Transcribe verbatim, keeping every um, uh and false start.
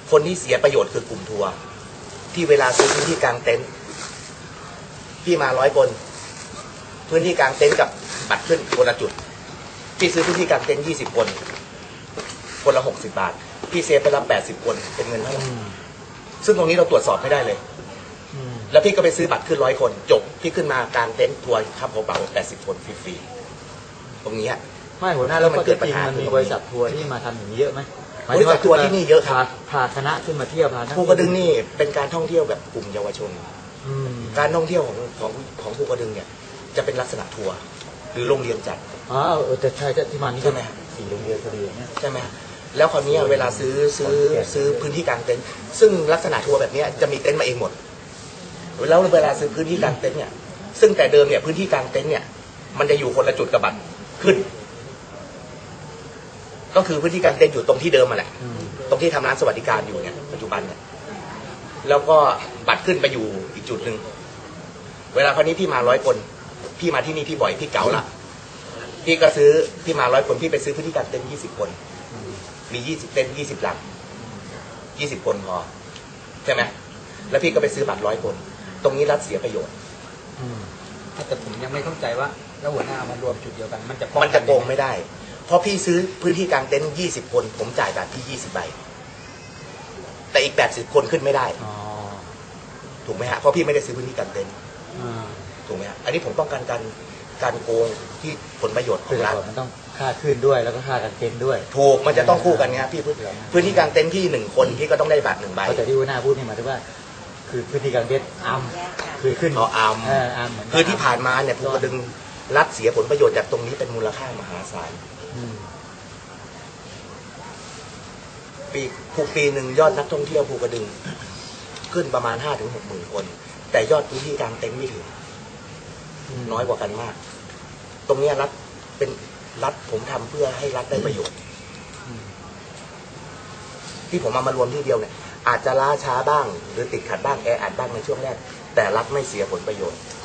คนที่เสียประโยชน์คือกลุ่มทัวร์ที่เวลาซื้อพื้นที่กลางเต็นท์พี่มาร้อยคนพื้นที่กลางเต็นท์กับบัตรขึ้นคนละจุดพี่ซื้อพื้นที่กลางเต็นท์ยี่สิบคนคนละหกสิบบาทพี่เซฟไปรับแปดสิบคนเป็นเงินเท่าไหร่ซึ่งตรงนี้เราตรวจสอบไม่ได้เลยแล้วพี่ก็ไปซื้อบัตรขึ้นร้อยคนจบพี่ขึ้นมากลางเต็นท์ทัวร์ข้ามหัวเป๋าแปดสิบคนฟรีๆตรงนี้ไม่หัวหน้าแล้วมันเกิดปัญหามันมีบริษัททัวร์ที่มาทำอย่างนี้เยอะไหมบริษัททัวร์ที่นี่เยอะครับพาคณะขึ้นมาเที่ยวพาภูกระดึงนี่เป็นการท่องเที่ยวแบบกลุ่มเยาวชนการท่องเที่ยวของของของภูกระดึงเนี่ยจะเป็นลักษณะทัวร์หรือโรงเรียนจัดอ๋อเออแต่ใช่ที่มานี่ใช่ไหมสี่โรงเรียนพอดีเนี่ยใช่ไหมแล้วคราวนี้เวลาซื้อซื้อซื้อพื้นที่กลางเต็นท์ซึ่งลักษณะทัวร์แบบนี้จะมีเต็นท์มาเองหมดแล้วเวลาซื้อพื้นที่กลางเต็นท์เนี่ยซึ่งแต่เดิมเนี่ยพื้นที่กลางเต็นท์เนี่ยมันจะอยู่คนละจุดกับบัตรขึ้นก็คือพื้นที่กลางเต็นท์อยู่ตรงที่เดิมมาแหละตรงที่ทำร้านสวัสดิการอยู่เนี่ยปัจจุบันเนี่ยแล้วก็บัตรขึ้นไปอยู่อีกจุดหนึ่งเวลาคราวนี้พี่มาร้อยคนพี่มาที่นี่พี่บ่อยพี่เก่าละพี่ก็ซื้อพี่มาร้อยคนพี่ไปซื้อพื้นที่กลางเต็นท์ยี่สิบคนมียี่สิบเต็นท์ยี่สิบหลังยี่สิบคนพอใช่ไหมแล้วพี่ก็ไปซื้อบัตรร้อยคนตรงนี้รัฐเสียประโยชน์แต่ผมยังไม่เข้าใจว่าแล้วหัวหน้ามารวมจุดเดียวกันมันจะมันจะโกงไม่ได้เพราะพี่ซื้อพื้นที่กลางเต็นท์ยี่สิบคนผมจ่ายบัตรที่ยี่สิบใบแต่อีกแปดสิบคนขึ้นไม่ได้ถูกไหมฮะเพราะพี่ไม่ได้ซื้อพื้นที่กลางเต็นท์ถูกไหมฮะอันนี้ผมต้องการการการโกงที่ผลประโยชน์ของรัฐมันต้องค่าขึ้นด้วยแล้วก็ค่ากางเต็นท์ด้วยถูกมันจะต้องคู่กันไงพี่พื้นที่กลางเต็นท์ที่หนึ่งคนพี่ก็ต้องได้บัตรหนึ่งใบแต่ที่หัวหน้าพูดนี่หมายถึงว่าคือพื้นที่กลางเต็นท์อัมคือขึ้นอ๋ออัมอัมคือที่ผ่านมาเนี่ยภูกระดึงรัฐเสียผลประโยชน์จากตรงนี้เป็นมูลค่ามหาศาลปีภูปีหนึ่งยอดนักท่องเที่ยวภูกระดึงขึ้นประมาณห้าถึงหกหมื่นคนแต่ยอดพื้นที่กลางเต็นท์ไม่ถึงน้อยกว่ากันมากตรงนี้รัฐเป็นรัฐผมทำเพื่อให้รัฐได้ประโยชน์ที่ผมเอามารวมที่เดียวเนี่ยอาจจะล้าช้าบ้างหรือติดขัดบ้างแออัดบ้างในช่วงแรกแต่รัฐไม่เสียผลประโยชน์